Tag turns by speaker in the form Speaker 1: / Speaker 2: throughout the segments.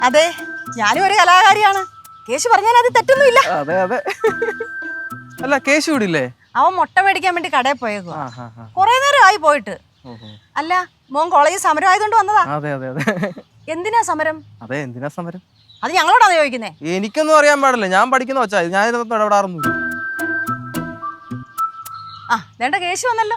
Speaker 1: അതെ, ഞാനും ഒരു കലാകാരിയാണ്. കേശു പറഞ്ഞാൽ അത് തെറ്റൊന്നുമില്ല.
Speaker 2: അതെ അതെ. അല്ല കേശു ഇവിടില്ലേ?
Speaker 1: അവൻ മുട്ട മേടിക്കാൻ വേണ്ടി കടയിൽ പോയേക്കോ. കൊറേ നേരം ആയി പോയിട്ട്. അല്ല, മോൻ കോളേജിൽ സമരം ആയതുകൊണ്ട് വന്നതാ?
Speaker 2: അതെ അതെ അതെ.
Speaker 1: എന്തിനാ സമരം?
Speaker 2: അതെ, എന്തിനാ സമരം?
Speaker 1: അത് ഞങ്ങളോടാണ് ചോദിക്കുന്നേ.
Speaker 2: എനിക്കൊന്നും അറിയാൻ പാടില്ല, ഞാൻ പഠിക്കുന്ന വെച്ചാ ഞാൻ ഇതൊന്നും ഇടപെടാറൊന്നുമില്ല.
Speaker 1: ആ വേണ്ട, കേശു വന്നല്ലോ.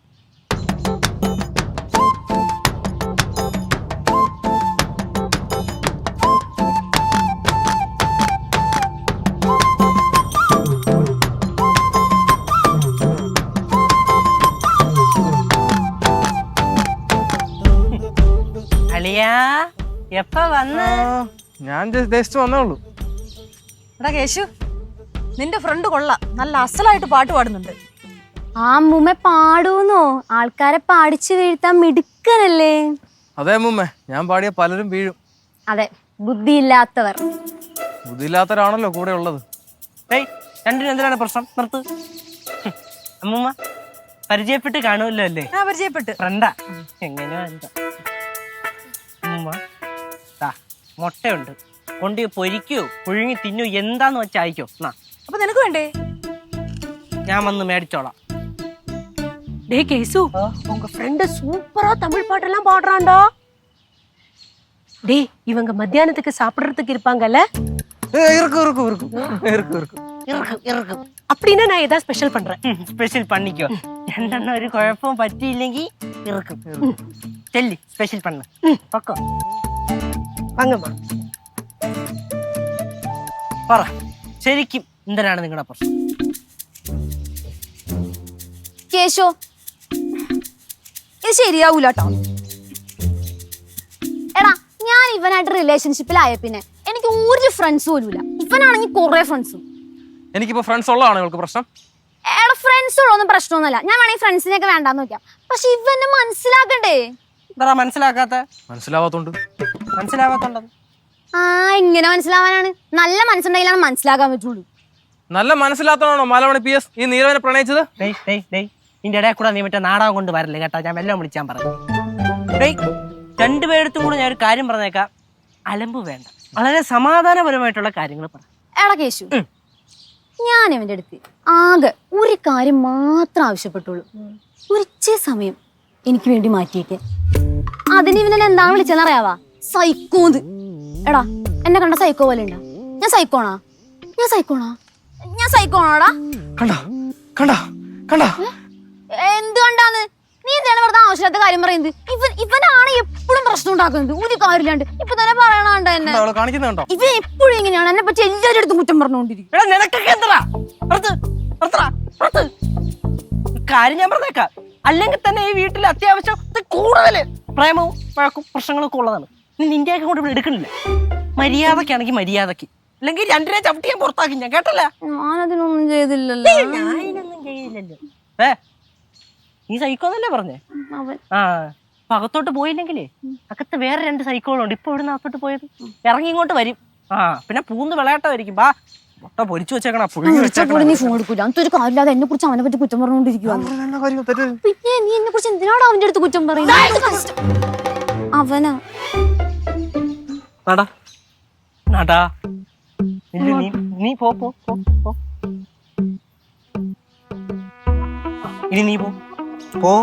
Speaker 2: ഞാൻ ജസ്റ്റ് വന്നേ ഉള്ളൂ.
Speaker 1: എടാ കേശു, നിന്റെ ഫ്രണ്ട് കൊള്ളാം, നല്ല അസലായിട്ട് പാട്ട് പാടുന്നുണ്ട്.
Speaker 3: ആ അമ്മൂമ്മ പാടൂന്നോ? ആൾക്കാരെ പാടിച്ചു വീഴ്ത്താൻ മിടുക്കനല്ലേ?
Speaker 2: അതെ അമ്മൂമ്മ, ഞാൻ പാടിയ പലരും വീഴും.
Speaker 3: അതെ, ബുദ്ധിയില്ലാത്തവർ.
Speaker 2: ബുദ്ധിയില്ലാത്തവരാണല്ലോ കൂടെ ഉള്ളത്.
Speaker 4: രണ്ടിനും എന്തിനാണ് പ്രശ്നം? നിർത്ത്. അമ്മൂമ്മ പരിചയപ്പെട്ട് കാണുമല്ലോ അല്ലേ?
Speaker 1: ആ പരിചയപ്പെട്ട്.
Speaker 4: ഫ്രണ്ടാ? എങ്ങനെയാ എന്താ? അമ്മൂമ്മ മുട്ടയുണ്ട്, കൊണ്ട് പൊരിക്കോ പുഴുങ്ങി തിന്നോ, എന്താന്ന് വെച്ചാ അയക്കോ.
Speaker 1: അപ്പൊ നിനക്ക് വേണ്ടേ?
Speaker 4: ഞാൻ വന്ന് മേടിച്ചോളാം.
Speaker 5: டே கேசு, உங்க ஃப்ரெண்ட் சூப்பரா தமிழ் பாட்டெல்லாம் பாடுறான்டா. டேய், இவங்க மத்தியானத்துக்கு சாப்பிடுறதுக்கு இருப்பாங்கல்ல? அப்படின்னா நான் ஏதாவது ஸ்பெஷல் பண்றேன்.
Speaker 4: സ്പെഷ്യൽ പണിക്കോ? രണ്ടെണ്ണം ഒരു കുഴപ്പവും പറ്റിയില്ലെങ്കിൽ ഇറക്കും. ചെല്ലി സ്പെഷ്യൽ പണ്ണ് പൊക്കോ.
Speaker 5: வாங்கம்மா.
Speaker 4: പറ, ശരിക്കും എന്തിനാണ് നിങ്ങളുടെ പ്രശ്നം?
Speaker 3: കേശോ, ഇത് ശരിയാവൂല കേട്ടോ. എടാ, ഞാൻ ഇവനായിട്ട് റിലേഷൻഷിപ്പിലായ പിന്നെ എനിക്ക് ഒരു ഫ്രണ്ട്സ് പോലും ഇല്ല. ഇവനാണെങ്കിൽ കുറെ ഫ്രണ്ട്സും.
Speaker 2: എനിക്കിപ്പോ ഫ്രണ്ട്സ് ഉള്ളതാണ് നിങ്ങൾക്ക് പ്രശ്നം?
Speaker 3: എടാ, ഫ്രണ്ട്സ് ഉള്ളൊന്നും പ്രശ്നമൊന്നുമല്ല. ഞാൻ വേണമെങ്കിൽ ഫ്രണ്ട്സിനെയൊക്കെ വേണ്ടാന്ന് നോക്കാം. പക്ഷെ ഇവനെ മനസ്സിലാക്കണ്ടേ?
Speaker 4: എന്താ മനസ്സിലാക്കാത്ത?
Speaker 2: മനസ്സിലാവാത്തോണ്ട്.
Speaker 3: ആ, ഇങ്ങനെ മനസ്സിലാവാനാണ്. നല്ല മനസ്സുണ്ടെങ്കിലാണ് മനസ്സിലാക്കാൻ പറ്റുള്ളൂ.
Speaker 2: നല്ല മനസ്സിലാത്തതാണോ മാലമണി PS ഈ നീരവനെ പ്രണയിച്ചത്?
Speaker 4: ഇതിന്റെ ഇടയിൽ കൂടെ നീ മറ്റേ നാടകം കൊണ്ട് വരല്ലേ കേട്ടോ. ഞാൻ എല്ലാം വിളിച്ചാൻ പറഞ്ഞു. രണ്ടുപേരത്തും കൂടെ ഞാൻ ഒരു കാര്യം പറഞ്ഞേക്കാം. അലമ്പ് വേണ്ട, വളരെ സമാധാനപരമായിട്ടുള്ള കാര്യങ്ങൾ പറ.
Speaker 3: എടാ കേശു, ഞാൻ ഇവന്റെ അടുത്ത് ആകെ ഒരു കാര്യം മാത്രം ആവശ്യപ്പെട്ടുള്ളൂ. ഒരിച്ചിരി സമയം എനിക്ക് വേണ്ടി മാറ്റിയേക്ക്. അതിന് ഇവനെ എന്താണ് വിളിച്ചെന്ന് അറിയാവാ? സൈക്കോന്ന്. എടാ, എന്നെ കണ്ട സൈക്കോ പോലെ ഉണ്ടാ? ഞാൻ സൈക്കോണാ? എന്ത് കണ്ടാന്ന്? നീ എന്താണ് വെറുതെ ആവശ്യമില്ലാത്ത കാര്യം പറയുന്നത്? ഇവനാണ് എപ്പോഴും പ്രശ്നം ഉണ്ടാക്കുന്നത്, ഒരു കാര്യമില്ലാണ്ട്. ഇപ്പൊ തന്നെ പറയണണ്ട എന്നെ. ഇവൻ എപ്പോഴും ഇങ്ങനെയാണ്, എന്നെ പറ്റി എല്ലാവരുടെ അടുത്തും കുറ്റം പറഞ്ഞുകൊണ്ടിരിക്കും.
Speaker 4: കാര്യം ഞാൻ പറഞ്ഞേക്കാം. അല്ലെങ്കിൽ തന്നെ ഈ വീട്ടിൽ അത്യാവശ്യം കൂടുതൽ പ്രേമവും വഴക്കും പ്രശ്നങ്ങളൊക്കെ ഉള്ളതാണ്. നീ നിന്റെയൊക്കെ കൊണ്ട് ഇവിടെ എടുക്കണില്ല. മര്യാദക്കാണെങ്കിൽ മര്യാദക്ക്, അല്ലെങ്കിൽ രണ്ടിനെ ചവിട്ടിയാൻ പുറത്താക്കി. ഞാൻ കേട്ടല്ല.
Speaker 3: ഞാനതിനൊന്നും ചെയ്തില്ലല്ലോ.
Speaker 4: ഞാനൊന്നും ചെയ്യില്ലല്ലോ. നീ സൈക്കോന്നല്ലേ പറഞ്ഞേ? ആ, അപ്പൊ അകത്തോട്ട് പോയില്ലെങ്കിലേ അകത്ത് വേറെ 2 സൈക്കോളുണ്ട്. ഇപ്പൊ ഇവിടുന്ന് അകത്തോട്ട് പോയത് ഇറങ്ങി ഇങ്ങോട്ട് വരും. ആ, പിന്നെ പൂന്ന് വിളയാട്ടമായിരിക്കും. ബാ, മുട്ട പൊരിച്ചു വെച്ചേക്കണ, പുഴുങ്ങി വെച്ചേക്കണ.
Speaker 3: നീ ഫോൺ എടുക്കൂല. അതൊരു കാര്യമില്ലാതെ എന്നെ കുറിച്ച് അവനെ പറ്റി കുറ്റം പറഞ്ഞുകൊണ്ടിരിക്കുക. പിന്നെ നീ എന്നെ കുറിച്ച് എന്തിനാണ് അവന്റെ അടുത്ത് കുറ്റം പറയുന്നത്? അവനാ
Speaker 4: നടാ നടാ. നീ പോ. ഇനി നീ പോ.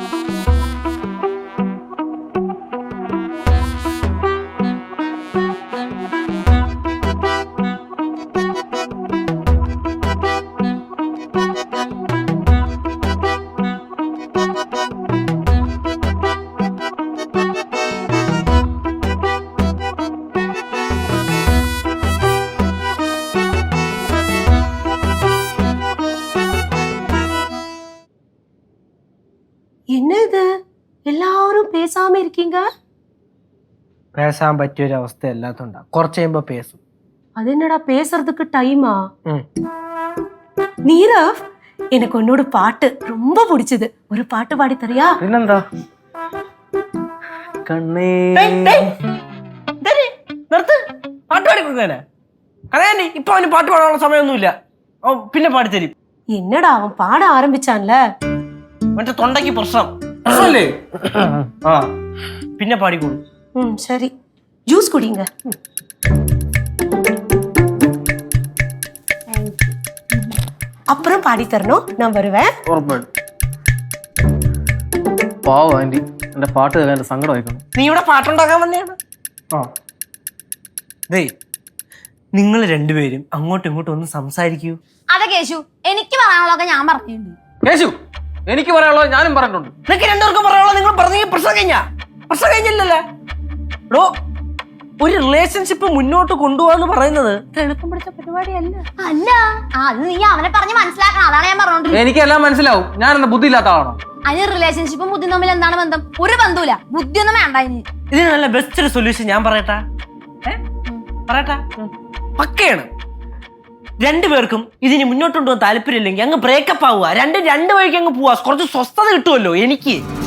Speaker 5: என்னது எல்லாரும் பேசாம இருக்கீங்க?
Speaker 4: பேசாம പറ്റിയൊരു അവസ്ഥ എല്ലാത്തുണ്ടാ. കുറച്ച് കഴിയുമ്പോ പേസും.
Speaker 5: அது என்னடா பேசுறதுக்கு டைமா? நீரவ், எனக்கு உன்னோட பாட்டு ரொம்ப பிடிச்சது. ஒரு பாட்டு பாடி தரியா?
Speaker 4: പിന്നെന്താ? കണ്ണേ നിർത്ത്. പാട്ട് പാടി കൊടുക്കാനെ കഥയാണ്ടി. ഇപ്പൊ അവന് പാട്ട് പാടാനുള്ള സമയമൊന്നുമില്ല. പിന്നെ പാടിത്തരും.
Speaker 5: என்னடா அவன் பாட ஆரம்பிச்சான்ல,
Speaker 4: മറ്റേ തൊണ്ടയ്ക്ക് പ്രശ്നമല്ലേ? ആ, പിന്നെ പാടിക്കോളൂ.
Speaker 5: சரி. ஜூஸ் குடிங்க. அப்புறம் பாடி தரணும், நான் வருவேன்.
Speaker 2: ഉറപ്പായിട്ടും. പാവം ആന്റി, എന്റെ പാട്ട് കേൾക്കാൻ എന്റെ സങ്കടം ആയിക്കണം.
Speaker 4: നീ ഇവിടെ പാട്ടുണ്ടാക്കാൻ വന്നെയാണ്. നിങ്ങൾ രണ്ടുപേരും അങ്ങോട്ടും ഇങ്ങോട്ടും ഒന്ന് സംസാരിക്കൂ.
Speaker 3: അതെ കേശു, എനിക്ക് പറയാനുള്ളതൊക്കെ ഞാൻ പറഞ്ഞിട്ടുണ്ട്.
Speaker 2: കേശു, എനിക്ക് പറയാനുള്ളത് ഞാനും പറഞ്ഞിട്ടുണ്ട്.
Speaker 4: നിങ്ങൾക്ക് രണ്ടുപേർക്കും പറയാനുള്ളത് നിങ്ങൾ പറഞ്ഞെങ്കിൽ പ്രശ്നം കഴിഞ്ഞില്ലല്ലേ? എടോ, ഒരു റിലേഷൻഷിപ്പ് മുന്നോട്ട് കൊണ്ടുപോകാന്ന് പറയുന്നത് എളുപ്പം പിടിച്ച പരിപാടിയല്ല.
Speaker 3: അല്ല, അത് നീ അവനെ പറഞ്ഞ് മനസ്സിലാക്കണം. അതാണ് ഞാൻ പറഞ്ഞോണ്ടിരിക്കുന്നത്.
Speaker 2: എനിക്കെല്ലാം മനസ്സിലാവും. ഞാൻ എന്താ ബുദ്ധി ഇല്ലാത്ത ആളാണോ?
Speaker 3: അതിന് റിലേഷൻഷിപ്പും ബുദ്ധിയും തമ്മിൽ എന്താണ് ബന്ധം? ഒരു ബന്ധവുമില്ല. ബുദ്ധിയൊന്നും വേണ്ട ഇനി.
Speaker 4: ഇതിന് നല്ല ബെസ്റ്റ് ഒരു സൊല്യൂഷൻ ഞാൻ പറയട്ടാ. പക്കയാണ്. രണ്ടുപേർക്കും ഇതിന് മുന്നോട്ട് കൊണ്ടുപോകാൻ താല്പര്യമില്ലെങ്കിൽ അങ്ങ് ബ്രേക്കപ്പ് ആവുക. രണ്ട് വഴിക്ക് അങ്ങ് പോവാ. കുറച്ച് സ്വസ്ഥത കിട്ടുമല്ലോ എനിക്ക്.